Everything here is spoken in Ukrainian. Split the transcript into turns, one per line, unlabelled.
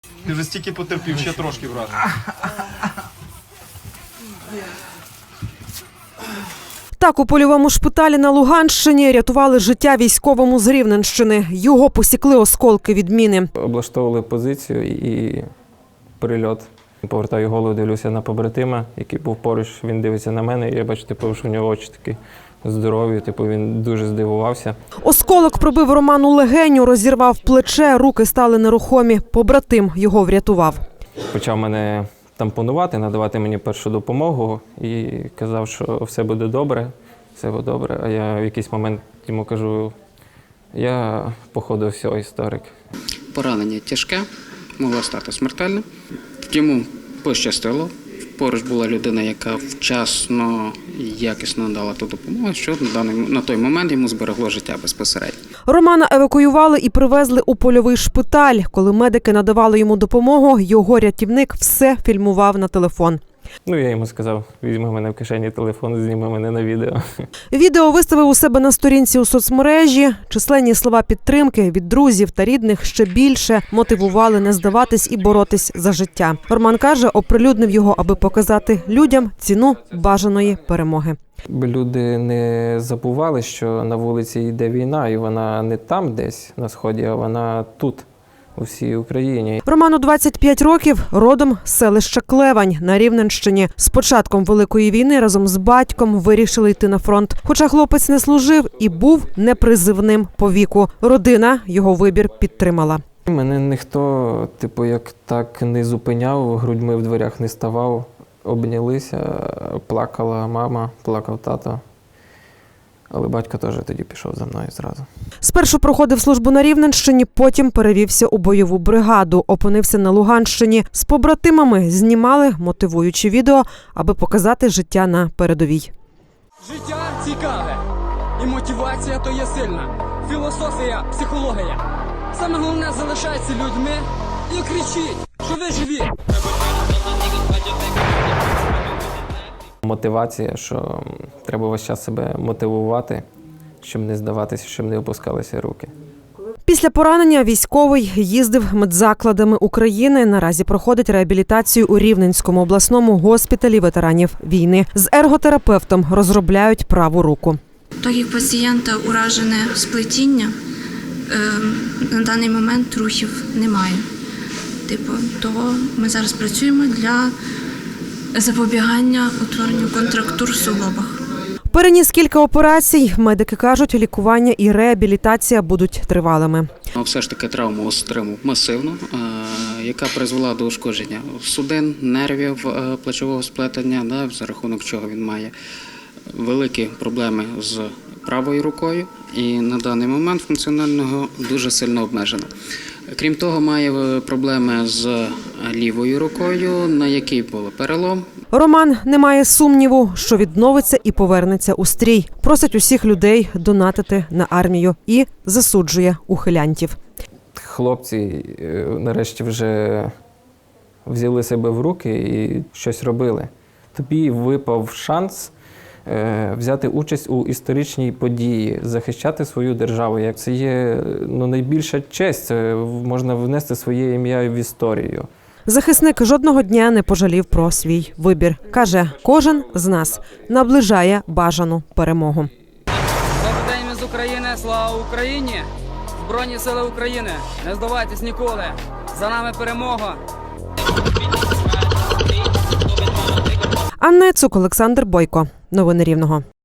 Ти вже стільки потерпів, ще трошки, брат.
Так, у польовому шпиталі на Луганщині рятували життя військовому з Рівненщини. Його посікли осколки від міни.
Облаштовували позицію і прильот. Повертаю голову, дивлюся на побратима, який був поруч, він дивиться на мене, і я бачу, що у нього очі такі здорові, він дуже здивувався.
Осколок пробив Роману легеню, розірвав плече, руки стали нерухомі. Побратим його врятував.
Почав мене тампонувати, надавати мені першу допомогу і казав, що все буде добре, А я в якийсь момент йому кажу, я, походу, все, історик.
Поранення тяжке, могло стати смертельним. Йому пощастило. Поруч була людина, яка вчасно і якісно надала ту допомогу, що на той момент йому зберегло життя безпосередньо.
Романа евакуювали і привезли у польовий шпиталь. Коли медики надавали йому допомогу, його рятівник все фільмував на телефон.
Я йому сказав, візьми мене в кишені телефон, зніми мене на відео.
Відео виставив у себе на сторінці у соцмережі. Численні слова підтримки від друзів та рідних ще більше мотивували не здаватись і боротись за життя. Роман каже, оприлюднив його, аби показати людям ціну бажаної перемоги.
Люди не забували, що на вулиці йде війна, і вона не там десь на Сході, а вона тут, у всій Україні.
Роману 25 років, родом з селища Клевань на Рівненщині. З початком Великої війни разом з батьком вирішили йти на фронт. Хоча хлопець не служив і був непризивним по віку. Родина його вибір підтримала.
Мене ніхто, як так не зупиняв, грудьми в дверях не ставав. Обнялися, плакала мама, плакав тато. Але батько теж тоді пішов за мною зразу.
Спершу проходив службу на Рівненщині, потім перевівся у бойову бригаду. Опинився на Луганщині. З побратимами знімали мотивуючі відео, аби показати життя на передовій.
Життя цікаве. І мотивація то є сильна. Філософія, психологія. Саме головне залишайтеся людьми і кричіть, що ви живі.
Мотивація, що треба весь час себе мотивувати, щоб не здаватися, щоб не опускалися руки.
Після поранення військовий їздив медзакладами України. Наразі проходить реабілітацію у Рівненському обласному госпіталі ветеранів війни. З ерготерапевтом розробляють праву руку.
Так як пацієнта уражене сплетіння, на даний момент рухів немає. Того ми зараз працюємо для запобігання утворенню контрактур в суглобах.
Переніс кілька операцій. Медики кажуть, лікування і реабілітація будуть тривалими.
Все ж таки травму отримав масивну, яка призвела до ушкодження судин, нервів плечового сплетення, за рахунок чого він має великі проблеми з правою рукою і на даний момент функціонального дуже сильно обмежено. Крім того, має проблеми з лівою рукою, на якій був перелом.
Роман не має сумніву, що відновиться і повернеться у стрій. Просить усіх людей донатити на армію і засуджує ухилянтів.
Хлопці нарешті вже взяли себе в руки і щось робили. Тобі випав шанс взяти участь у історичній події, захищати свою державу. Це є найбільша честь, це можна внести своє ім'я в історію.
Захисник жодного дня не пожалів про свій вибір. Каже, кожен з нас наближає бажану перемогу.
Добрий день, ми з України, слава Україні! Збройні сили України, не здавайтесь ніколи! За нами перемога!
Анна Цук, Олександр Бойко. Новини Рівного.